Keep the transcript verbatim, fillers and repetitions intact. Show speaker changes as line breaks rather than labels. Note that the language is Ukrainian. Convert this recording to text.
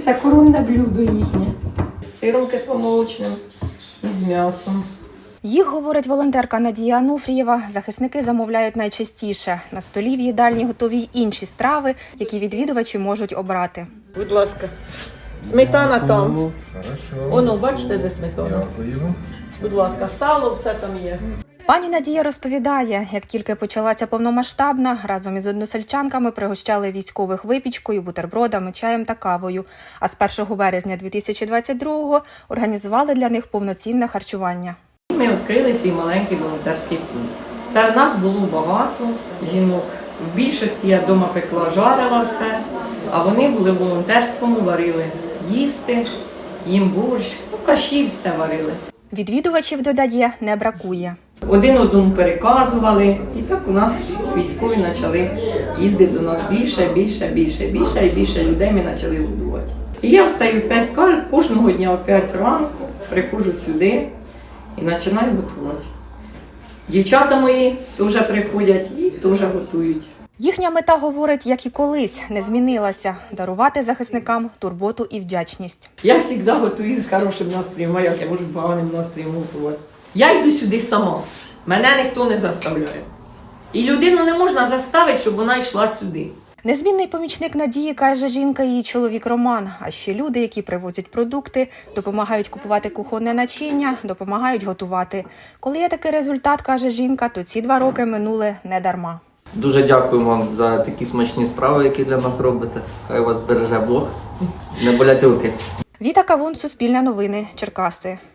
це коронне блюдо їхнє. З сиром кисломолочним і з м'ясом.
Їх, говорить волонтерка Надія Ануфрієва, захисники замовляють найчастіше. На столі в їдальні готові й інші страви, які відвідувачі можуть обрати.
Будь ласка. Сметана там.
Хорошо.
Оно, бачите, де сметана?
Дякую.
Будь ласка, сало, все там є.
Пані Надія розповідає, як тільки почалася повномасштабна, разом із односельчанками пригощали військових випічкою, бутербродами, чаєм та кавою. А з першого березня дві тисячі двадцять другого організували для них повноцінне харчування.
Ми відкрили свій маленький волонтерський пункт. Це в нас було багато жінок. В більшості я вдома пекла, жарила все, а вони були в волонтерському, варили їсти, їм борщ, ну, каші все варили.
Відвідувачів, додає, не бракує.
Один одному переказували, і так у нас військові почали їздити до нас більше, більше, більше, більше, і більше людей ми почали годувати. І я встаю в п'ять кожного дня о п'ять ранку, приходжу сюди і починаю готувати. Дівчата мої теж приходять і теж готують.
Їхня мета, говорить, як і колись, не змінилася – дарувати захисникам турботу і вдячність.
Я завжди готую з хорошим настроєм, а як я можу поганим настроєм готувати. Я йду сюди сама, мене ніхто не заставляє. І людину не можна заставити, щоб вона йшла сюди.
Незмінний помічник Надії, каже жінка, і її чоловік Роман. А ще люди, які привозять продукти, допомагають купувати кухонне начиння, допомагають готувати. Коли є такий результат, каже жінка, то ці два роки минули не дарма.
Дуже дякую вам за такі смачні страви, які для нас робите. Хай вас береже Бог. Не болять руки.
Віта Кавун, Суспільне новини, Черкаси.